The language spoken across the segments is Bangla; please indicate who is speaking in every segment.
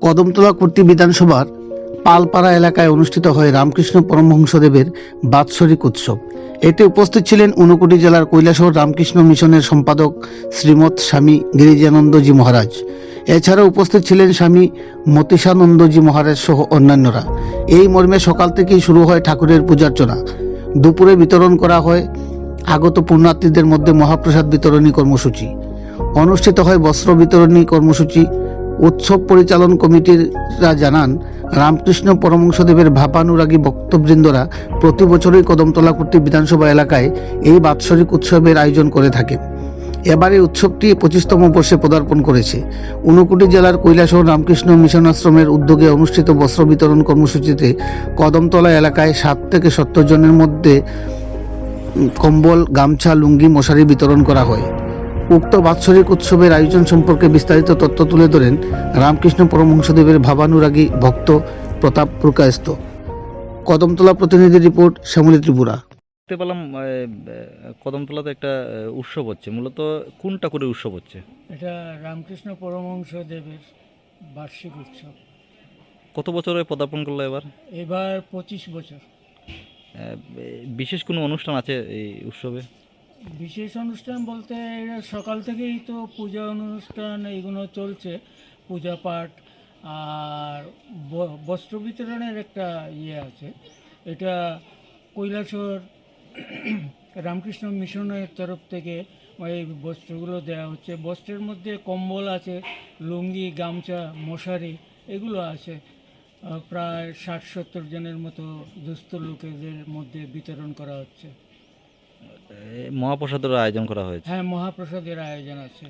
Speaker 1: কদমতলা কুর্তি বিধানসভার পালপাড়া এলাকায় অনুষ্ঠিত হয় রামকৃষ্ণ পরমহংসদেবের বাৎসরিক উৎসব। এতে উপস্থিত ছিলেন ঊনকোটি জেলার কৈলাসহর রামকৃষ্ণ মিশনের সম্পাদক শ্রীমৎ স্বামী গিরিজানন্দজি মহারাজ। এছাড়াও উপস্থিত ছিলেন স্বামী মতিশানন্দজি মহারাজ সহ অন্যান্যরা। এই মর্মে সকাল থেকেই শুরু হয় ঠাকুরের পূজার্চনা। দুপুরে বিতরণ করা হয় আগত পুণ্যার্থীদের মধ্যে মহাপ্রসাদ বিতরণী কর্মসূচি। অনুষ্ঠিত হয় বস্ত্র বিতরণী কর্মসূচি। উৎসব পরিচালন কমিটিরা জানান, রামকৃষ্ণ পরমহংসদেবের ভাবানুরাগী ভক্তবৃন্দরা প্রতি বছরই কদমতলা কুর্তি বিধানসভা এলাকায় এই বাৎসরিক উৎসবের আয়োজন করে থাকে। এবারে উৎসবটি 25তম বর্ষে পদার্পণ করেছে। ঊনকোটি জেলার কৈলাসহর রামকৃষ্ণ মিশন আশ্রমের উদ্যোগে অনুষ্ঠিত বস্ত্র বিতরণ কর্মসূচিতে কদমতলা এলাকায় 60 থেকে 70 জনের মধ্যে কম্বল, গামছা, লুঙ্গি, মশারি বিতরণ করা হয়। উক্ত বাৎসরিক উৎসবের আয়োজন সম্পর্কে বিস্তারিত তথ্য তুলে ধরেন রামকৃষ্ণ পরমহংসদেবের ভাবানুরাগী ভক্ত প্রতাপ প্রকাশত। কদমতলা প্রতিনিধি রিপোর্ট, শ্যামলী ত্রিপুরা।
Speaker 2: দেখতে পেলাম কদমতলাতে একটা উৎসব হচ্ছে। মূলত কোন ঠাকুরের উৎসব হচ্ছে?
Speaker 3: এটা রামকৃষ্ণ পরমহংসদেবের বার্ষিক উৎসব।
Speaker 2: কত বছরে পদার্পণ করলো এবার?
Speaker 3: এবার 25 বছর।
Speaker 2: বিশেষ কোনো অনুষ্ঠান আছে এই উৎসবে?
Speaker 3: বিশেষ অনুষ্ঠান বলতে এরা সকাল থেকেই তো পূজা অনুষ্ঠান এইগুলো চলছে, পূজা পাঠ আর বস্ত্র বিতরণের একটা আছে। এটা কৈলাসহর রামকৃষ্ণ মিশনের তরফ থেকে এই বস্ত্রগুলো দেওয়া হচ্ছে। বস্ত্রের মধ্যে কম্বল আছে, লুঙ্গি, গামছা, মশারি এগুলো আছে। প্রায় 60-70 জনের মতো দুস্থ লোকেদের মধ্যে বিতরণ করা হচ্ছে।
Speaker 2: মহাপ্রসাদের আয়োজন করা হয়েছে?
Speaker 3: হ্যাঁ, মহাপ্রসাদের আয়োজন আছে।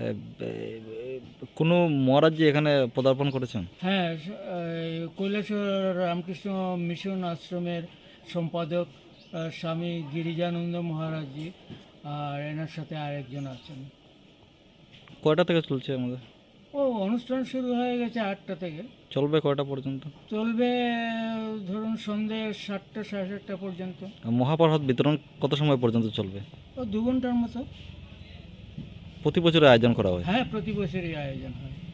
Speaker 2: কোনো মহারাজ এখানে পদার্পণ করেছেন?
Speaker 3: হ্যাঁ, কৈলাসহর রামকৃষ্ণ মিশন আশ্রমের সম্পাদক স্বামী গিরিজানন্দ মহারাজজি, আর এনার সাথে আরেকজন আছেন।
Speaker 2: কয়টা থেকে চলছে আমাদের?
Speaker 3: অনুষ্ঠান শুরু হয়ে গেছে 8টা থেকে।
Speaker 2: চলবে কয়টা পর্যন্ত?
Speaker 3: চলবে ধরুন সন্ধ্যে 7টা, 7:30 পর্যন্ত।
Speaker 2: মহাপ্রসাদ বিতরণ কত সময় পর্যন্ত চলবে?
Speaker 3: 2 ঘন্টার মতো।
Speaker 2: প্রতি বছর আয়োজন করা হয়?
Speaker 3: হ্যাঁ, প্রতি বছরই আয়োজন হয়।